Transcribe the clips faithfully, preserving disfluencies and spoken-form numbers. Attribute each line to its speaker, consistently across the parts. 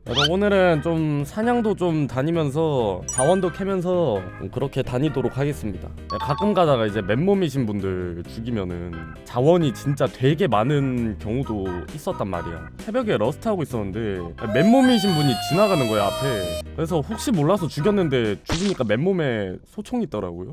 Speaker 1: 그래서 오늘은 좀 사냥도 좀 다니면서 자원도 캐면서 그렇게 다니도록 하겠습니다. 가끔 가다가 이제 맨몸이신 분들 죽이면은 자원이 진짜 되게 많은 경우도 있었단 말이야. 새벽에 러스트 하고 있었는데 맨몸이신 분이 지나가는 거야 앞에. 그래서 혹시 몰라서 죽였는데 죽으니까 맨몸에 소총이 있더라고요.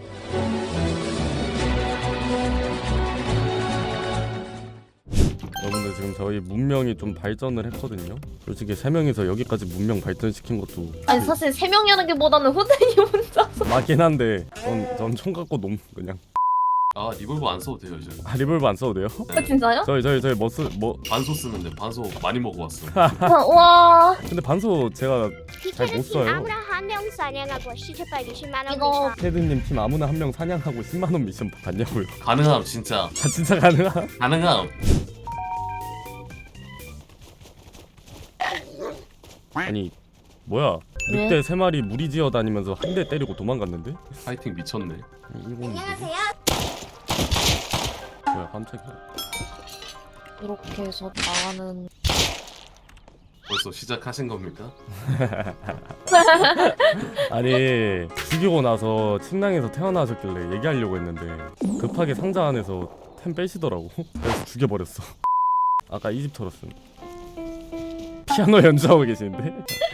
Speaker 1: 여러분들 지금 저희 문명이 좀 발전을 했거든요. 솔직히 세 명이서 여기까지 문명 발전시킨 것도
Speaker 2: 아니 사실 세 명이라는 게 보다는 후대님 혼자서.
Speaker 1: 맞긴 한데 전, 전 총 갖고 너무 그냥
Speaker 3: 아 리볼버 안 써도 돼요 이제.
Speaker 1: 아 리볼버 안 써도 돼요?
Speaker 2: 아, 진짜요?
Speaker 1: 저희 저희 저희 뭐 쓰.. 뭐
Speaker 3: 반소 쓰면 돼. 반소 많이 먹어왔어.
Speaker 2: 아, 와
Speaker 1: 근데 반소 제가 잘 못 써요.
Speaker 4: 아무나 한 명 사냥하고 시체빨 이십만 원
Speaker 2: 이거
Speaker 1: 테드님 팀 아무나 한 명 사냥하고 십만 원 미션 받냐고요.
Speaker 3: 가능함 진짜.
Speaker 1: 아 진짜 가능함?
Speaker 3: 가능함.
Speaker 1: 아니 뭐야
Speaker 2: 왜?
Speaker 1: 늑대 세 마리 무리지어 다니면서 한 대 때리고 도망갔는데?
Speaker 3: 파이팅 미쳤네.
Speaker 1: 안녕하세요. 뭐야 깜짝이야.
Speaker 2: 이렇게 해서 나가는.
Speaker 3: 벌써 시작하신 겁니까?
Speaker 1: 아니 죽이고 나서 침낭에서 태어나셨길래 얘기하려고 했는데 급하게 상자 안에서 템 빼시더라고. 그래서 죽여버렸어. 아까 이 집 털었음. 피아노 연주하고 계시는데?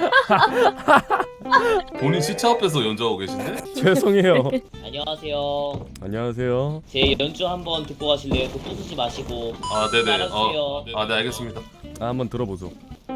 Speaker 3: 본인 시체 앞에서 연주하고 계신데?
Speaker 1: 죄송해요.
Speaker 5: 안녕하세요.
Speaker 1: 안녕하세요.
Speaker 5: 제 연주 한번 듣고 가실래요? 그 부수지 마시고.
Speaker 3: 아 네네.
Speaker 5: 따라주세요.
Speaker 3: 어, 아 네 알겠습니다.
Speaker 1: 아, 한번 들어보죠.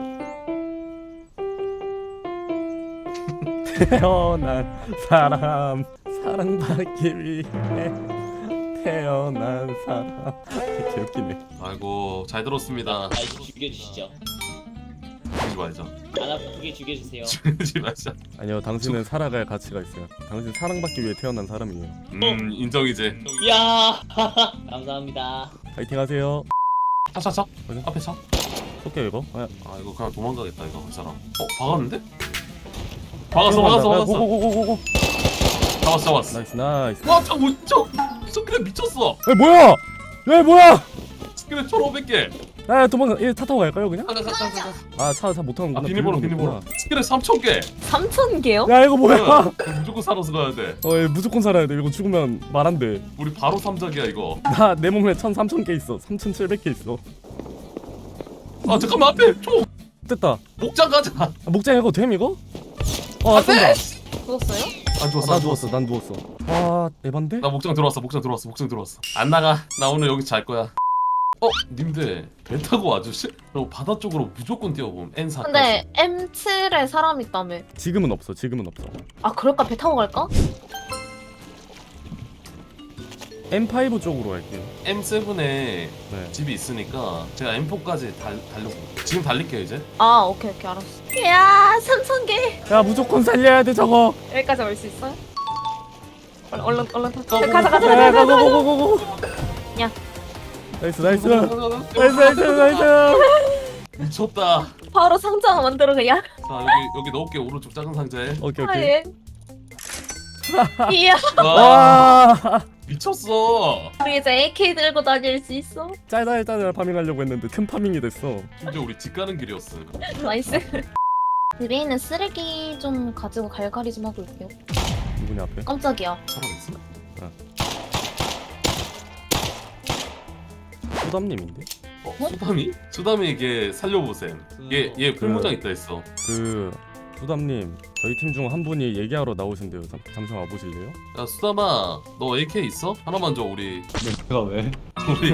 Speaker 1: 태어난 사람 사랑받기 위해 태어난 사람. 개 웃기네.
Speaker 3: 아이고 잘 들었습니다.
Speaker 5: 아, 죽여주시죠.
Speaker 3: 죽이지 말자.
Speaker 5: 안 아프게 죽여주세요.
Speaker 3: 죽이지 말자.
Speaker 1: 아니요, 당신은 살아갈 가치가 있어요. 당신 사랑받기 위해 태어난 사람이에요.
Speaker 3: 음 인정이제.
Speaker 5: 이야, 감사합니다.
Speaker 1: 파이팅 하세요.
Speaker 3: 차차차.
Speaker 1: 어디?
Speaker 3: 앞에 차.
Speaker 1: 쏠게요 이거. 아,
Speaker 3: 아 이거 그냥 도망가겠다 이거 그 사람. 어 박았는데? 박았어 박았어 박았어.
Speaker 1: 고고고고고.
Speaker 3: 잡았어 잡았어.
Speaker 1: 나이스 나이스.
Speaker 3: 와 저거 저 스크랩 미쳤어.
Speaker 1: 에 뭐야? 에 뭐야?
Speaker 3: 스크랩 천오백 개.
Speaker 1: 아 도망가. 얘차 타고 갈까요 그냥?
Speaker 3: 가자 가자 가자.
Speaker 1: 아 차 차 못 타는구나.
Speaker 3: 아 비밀번호 비밀번호. 스크랩 삼천 개.
Speaker 2: 삼천 개요?
Speaker 1: 야 이거 뭐야?
Speaker 3: 무조건 살아서 가야 돼.
Speaker 1: 어 얘 무조건 살아야 돼. 이거 죽으면 말 안 돼.
Speaker 3: 우리 바로 삼작이야 이거.
Speaker 1: 나 내 몸에 천 삼천 개 있어. 삼천칠백 개 있어.
Speaker 3: 아 잠깐만 앞에 총
Speaker 1: 됐다.
Speaker 3: 목장 가자.
Speaker 1: 아, 목장 이거 됨 이거? 어
Speaker 3: 안돼.
Speaker 1: 쏜다.
Speaker 2: 죽었어요?
Speaker 3: 안
Speaker 1: 아,
Speaker 3: 죽었어
Speaker 1: 나
Speaker 3: 안
Speaker 1: 누웠어.
Speaker 3: 죽었어.
Speaker 1: 난 누웠어. 아 에반데?
Speaker 3: 나 목장 들어왔어 목장 들어왔어 목장 들어왔어. 안 나가. 나 오늘 여기 잘 거야. 어 님들 배 타고 와주실? 저 바다 쪽으로 무조건 뛰어봄. 엔 사까지.
Speaker 2: 근데 엠 칠에 사람 있다며.
Speaker 1: 지금은 없어. 지금은 없어.
Speaker 2: 아 그럴까? 배 타고 갈까?
Speaker 1: 엠 파이브 쪽으로 갈게요.
Speaker 3: 엠 세븐에
Speaker 1: 네.
Speaker 3: 집이 있으니까 제가 엠 포까지 달 달려서 지금 달릴게요 이제.
Speaker 2: 아 오케이 오케이 알았어. 이야 삼천 개.
Speaker 1: 야 무조건 살려야 돼 저거.
Speaker 2: 여기까지 올 수 있어요? 얼른 얼른 얼른 타.
Speaker 3: 고, 고,
Speaker 2: 가자 가자
Speaker 1: 야
Speaker 2: 가자 가자.
Speaker 1: 고고고고고.
Speaker 2: 야.
Speaker 1: 나이스 나이스. 나이스 나이스 나이스.
Speaker 3: 미쳤다.
Speaker 2: 바로 상자 만들어 그냥.
Speaker 3: 자 여기 여기 넣을게 오른쪽 작은 상자에.
Speaker 1: 오케이
Speaker 2: 아
Speaker 1: 오케이.
Speaker 2: 예. 이야
Speaker 3: 와
Speaker 1: 와.
Speaker 3: 미쳤어.
Speaker 2: 우리 이제 에이케이 들고 다닐 수 있어.
Speaker 1: 짤짤 짤짤 파밍하려고 했는데 큰 파밍이 됐어.
Speaker 3: 심지어 우리 집 가는 길이었어.
Speaker 2: 나이스. 집에 있는 쓰레기 좀 가지고 갈갈이 좀 하고 올게요.
Speaker 1: 누구냐 앞에?
Speaker 2: 깜짝이야.
Speaker 3: 사람 있어?
Speaker 1: 소담님인데?
Speaker 3: 어 수담이? 수담이에게 살려보셈. 얘얘 풀무장 있다 했어.
Speaker 1: 그 소담님 저희 팀 중 한 분이 얘기하러 나오신대요. 잠, 잠시 와보실래요?
Speaker 3: 야 수담아 너 에이케이 있어? 하나만 줘 우리.
Speaker 6: 내가 왜?
Speaker 3: 우리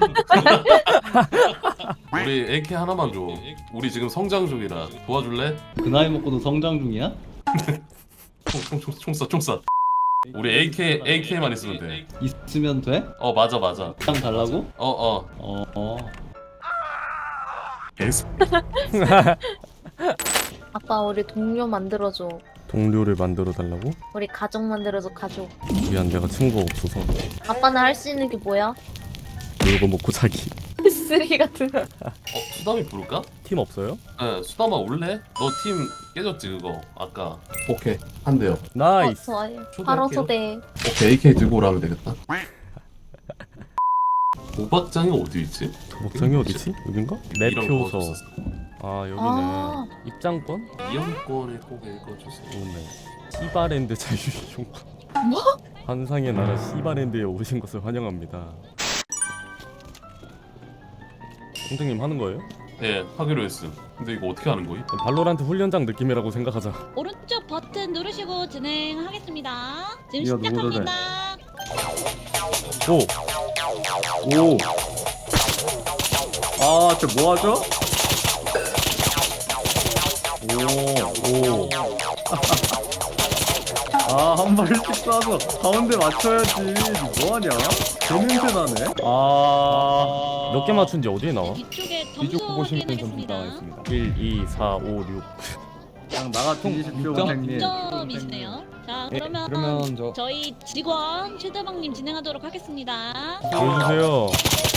Speaker 3: 우리 에이케이 하나만 줘. 우리 지금 성장 중이라 도와줄래?
Speaker 6: 그 나이 먹고도 성장 중이야?
Speaker 3: 총총총총총쏴총쏴. 우리 에이케이 에이케이만 있으면 돼.
Speaker 6: 있으면 돼?
Speaker 3: 어 맞아 맞아.
Speaker 6: 그냥 달라고?
Speaker 3: 어 어.
Speaker 6: 어, 어.
Speaker 3: 에스.
Speaker 2: 아빠 우리 동료 만들어줘.
Speaker 1: 동료를 만들어 달라고?
Speaker 2: 우리 가족 만들어줘 가족.
Speaker 1: 미안 내가 친구가 없어서.
Speaker 2: 아빠는 할 수 있는 게 뭐야?
Speaker 1: 놀고 먹고 자기.
Speaker 2: 쓰레기 같은 거.
Speaker 3: 어 수담이 부를까?
Speaker 1: 팀 없어요?
Speaker 3: 네 수담아 올래? 너 팀 깨졌지 그거 아까. 오케이 한대요.
Speaker 2: 어,
Speaker 1: 나이스.
Speaker 2: 좋아요.
Speaker 3: 초대할게요.
Speaker 2: 바로 초대.
Speaker 3: 오케이 에이케이 들고 오라면 되겠다. 도박장이 어디 있지?
Speaker 1: 목장이 어디지? 여긴가?
Speaker 3: 이런 거
Speaker 1: 매표소.
Speaker 3: 없었어.
Speaker 1: 아 여기는
Speaker 2: 아.
Speaker 1: 입장권?
Speaker 3: 이용권을 꼭 읽어주세요.
Speaker 1: 오네. 시바랜드 자유이용권.
Speaker 2: 뭐?
Speaker 1: 환상의 나라 시바랜드에 오신 것을 환영합니다. 선생님 하는 거예요?
Speaker 3: 네, 하기로 했음. 근데 이거 어떻게 하는 거임?
Speaker 1: 발로란트 훈련장 느낌이라고 생각하자.
Speaker 7: 오른쪽 버튼 누르시고 진행하겠습니다. 지금
Speaker 6: 이거 누구를
Speaker 7: 시작합니다.
Speaker 1: 오!
Speaker 6: 오. 아, 저 뭐 하죠? 오.
Speaker 1: 오!
Speaker 6: 아, 한 발 일찍 쏴서 가운데 맞춰야지. 뭐 하냐? 개냄새 나네. 아.
Speaker 1: 몇 개 맞춘지 어디에 나와?
Speaker 7: 뒤쪽에 점수 확인하겠습니다.
Speaker 1: 일, 이, 사, 오, 육.
Speaker 6: 그냥 나가 뒤지십시오,
Speaker 8: 육 점?
Speaker 6: 선생님.
Speaker 7: 점이시네요. 자
Speaker 8: 예,
Speaker 7: 그러면,
Speaker 8: 그러면 저
Speaker 7: 저희 직원 최대방님 진행하도록 하겠습니다.
Speaker 1: 보여주세요.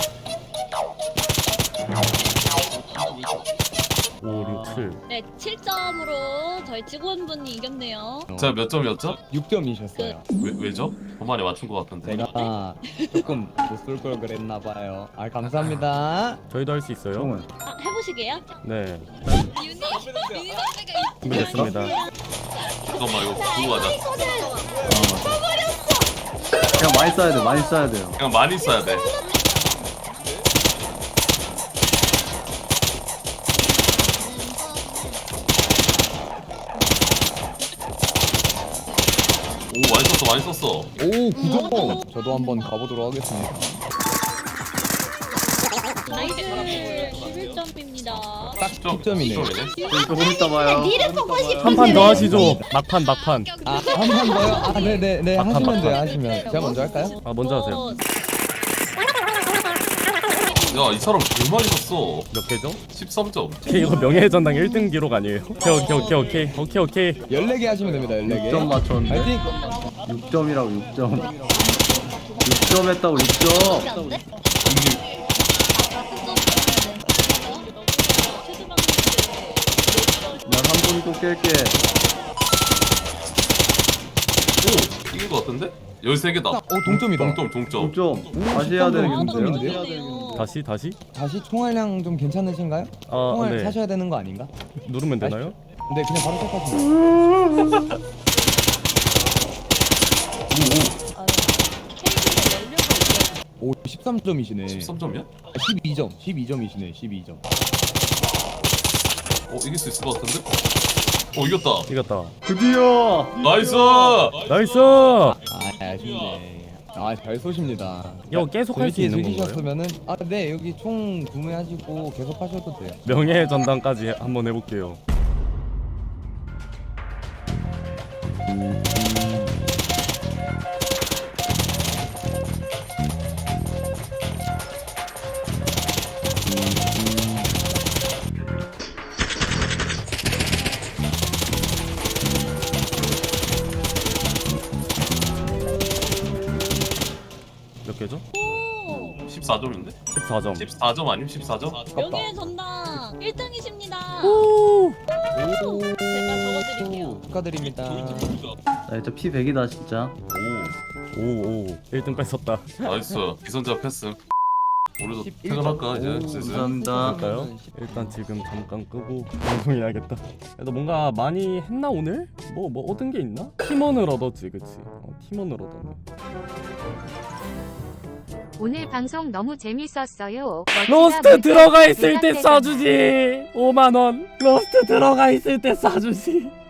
Speaker 1: 오, 육, 칠.
Speaker 7: 네, 칠 점으로 저희 직원분이 이겼네요.
Speaker 3: 제가 몇 점이었죠?
Speaker 8: 육 점이셨어요.
Speaker 3: 왜, 왜죠? 저만에 맞춘 것 같은데.
Speaker 8: 제가 조금 못 쏠 걸 그랬나 봐요. 아 감사합니다.
Speaker 1: 저희도 할 수 있어요?
Speaker 6: 형은.
Speaker 7: 아, 해보시게요?
Speaker 1: 네.
Speaker 7: 유니 유니 선배가
Speaker 1: 준비됐습니다.
Speaker 3: 잠깐만 이거 보고 가자.
Speaker 6: 그냥 많이 쏴야 돼, 많이 쏴야 돼요.
Speaker 3: 그냥 많이 써야 돼. 오 많이 썼어 많이 썼어.
Speaker 8: 오 구 점. 저도 한번 가보도록 하겠습니다.
Speaker 7: 나이스 십일 점입니다.
Speaker 8: 딱
Speaker 3: 좀,
Speaker 8: 십 점이네.
Speaker 3: 점이네.
Speaker 6: 조금 이따 봐요.
Speaker 2: 니를 보고 싶은데
Speaker 1: 한 판 더
Speaker 2: 왜-
Speaker 1: 하시죠. 막판 막판.
Speaker 8: 아 한 번 더요? 아 네네네
Speaker 1: 막판,
Speaker 8: 하시면 돼요
Speaker 1: 막판.
Speaker 8: 하시면. 제가 먼저 할까요?
Speaker 1: 아 먼저 하세요.
Speaker 3: 야 이 사람 개 많이 썼어.
Speaker 1: 몇 개죠?
Speaker 3: 십삼 점.
Speaker 1: 오케이, 이거 명예의 전당 일 등 기록 아니에요? 오케이 오케이 오케이 오케이 오케이 오케이.
Speaker 8: 열네 개 하시면 됩니다. 열네 개.
Speaker 6: 육 점 맞췄는데.
Speaker 8: 파이팅.
Speaker 6: 육 점이라고 육 점. 육 점 했다고 육 점.
Speaker 2: 안 돼?
Speaker 6: 난 한 번 또 깰게.
Speaker 3: 오 이긴 것 같은데? 열세 개다.
Speaker 8: 오 동점이다.
Speaker 3: 동점 동점.
Speaker 6: 육 점. 다시 해야 되겠는데요?
Speaker 8: 점인데요?
Speaker 1: 다시 다시?
Speaker 8: 다시 총알량 좀 괜찮으신가요?
Speaker 1: 아
Speaker 8: 총알
Speaker 1: 네.
Speaker 8: 사셔야 되는 거 아닌가?
Speaker 1: 누르면 되나요?
Speaker 8: 네 그냥 바로 시작하시면. 오 십삼 점이시네.
Speaker 3: 십삼 점이야?
Speaker 8: 십이 점. 십이 점이시네. 십이 점.
Speaker 3: 어 이길 수 있을 것 같은데? 어 이겼다.
Speaker 1: 이겼다.
Speaker 6: 드디어.
Speaker 3: 나이스.
Speaker 1: 나이스.
Speaker 8: 아 아쉽네. 아 잘 쏘십니다.
Speaker 1: 이거 계속 할 수
Speaker 8: 재밌게
Speaker 1: 있는 건가요?
Speaker 8: 즐기셨으면은 아 네 여기 총 구매하시고 계속 하셔도 돼요.
Speaker 1: 명예의 전당까지 한번 해볼게요. 몇 개죠?
Speaker 7: 오,
Speaker 3: 십사 점인데?
Speaker 1: 십사 점.
Speaker 3: 십사 점 아님? 십사 점?
Speaker 7: 명예의 전당 일 등이십니다.
Speaker 1: 오!
Speaker 8: 오
Speaker 7: 제가 적어드릴게요.
Speaker 8: 축하드립니다.
Speaker 6: 나 진짜 피 백이다 진짜.
Speaker 3: 오
Speaker 1: 오오 일 등 뺐었다.
Speaker 3: 나이스. 기선제압 패스. 우리도
Speaker 8: 십일
Speaker 3: 퇴근할까 이제
Speaker 8: 오,
Speaker 3: 슬슬.
Speaker 6: 감사합니다.
Speaker 1: 할까요? 일단 지금 잠깐 끄고 방송해야겠다. 그래도 뭔가 많이 했나 오늘? 뭐 뭐 얻은 게 있나? 팀원을 얻었지, 그치? 어, 팀원을 얻었네.
Speaker 9: 오늘 방송 너무 재밌었어요.
Speaker 1: 로스트 들어가 있을 때 쏴주지. 오만 원. 로스트 들어가 있을 때 쏴주지.